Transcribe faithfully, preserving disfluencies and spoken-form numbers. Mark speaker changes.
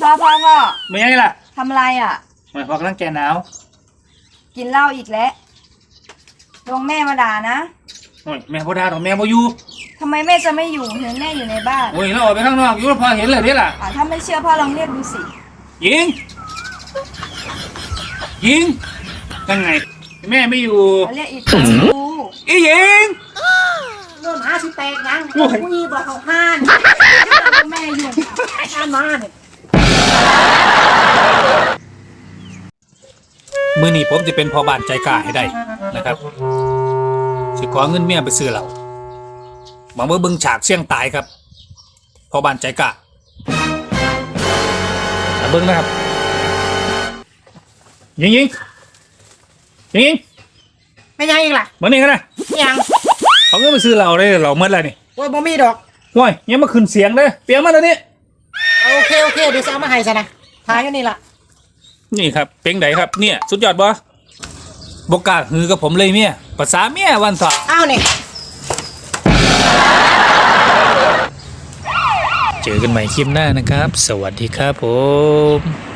Speaker 1: พ่อพ่อพ่อ
Speaker 2: ไม่ไงล่ะ
Speaker 1: ทำอะไรอ่ะ
Speaker 2: ไม่พอกำลังแกหนาว
Speaker 1: กินเหล้าอีกแล้วลงแม่มาด่านะ
Speaker 2: โอ้ยแม่พ่อด่าหรอกแม่พ่อยู่
Speaker 1: ทำไมแม่จะไม่อยู่เห็นแม่อยู่ในบ้าน
Speaker 2: โอ้ยเราออกไปข้างนอกอยู่พอเห็นเลยนี่ล่ะ
Speaker 1: อ่าถ้าไม่เชื่อพ่อลองเรียกดูสิ
Speaker 2: ยิงยิงยังไงแม่ไม่อยู่
Speaker 1: เรียกอีกครั้งดู
Speaker 2: อียิง
Speaker 3: เริ่มหาสิแตกยังผู้ยีบอกเขาห้านแม่อยู่ห้านมาเนี่ย
Speaker 2: มื้อนี้ผมจะเป็นพ่อบ้านใจกล้าให้ได้นะครับสิขอเงินเมียไปซื้อเหล้าบางเมื่อบึงฉากเสี่ยงตายครับพ่อบ้านใจกล้าเบิ้งนะครับยิงยิงยิงยิง
Speaker 3: ไม่ยังอีกล่ะ
Speaker 2: มานี่กันนะ
Speaker 3: ยัง
Speaker 2: เขาก็ไปซื้อเราเลยเราเมื่อไรนี่
Speaker 3: โอ้ยบ่มีดอก
Speaker 2: ว้ยยังมาขึ้นเสียงเลยเปลี่ยนมาแล้วนี่
Speaker 3: โอเคโอเคเดี๋ยวจะเอามาให้ซะนะทายอยู่นี่ล่ะ
Speaker 2: นี่ครับเป็งไดครับเนี่ยสุดยอดบ่บกล้าหือกับผมเลยเมียภาษาเมียวันสอบ
Speaker 3: อ้าวนี่
Speaker 2: เจอกันใหม่คลิปหน้านะครับสวัสดีครับผม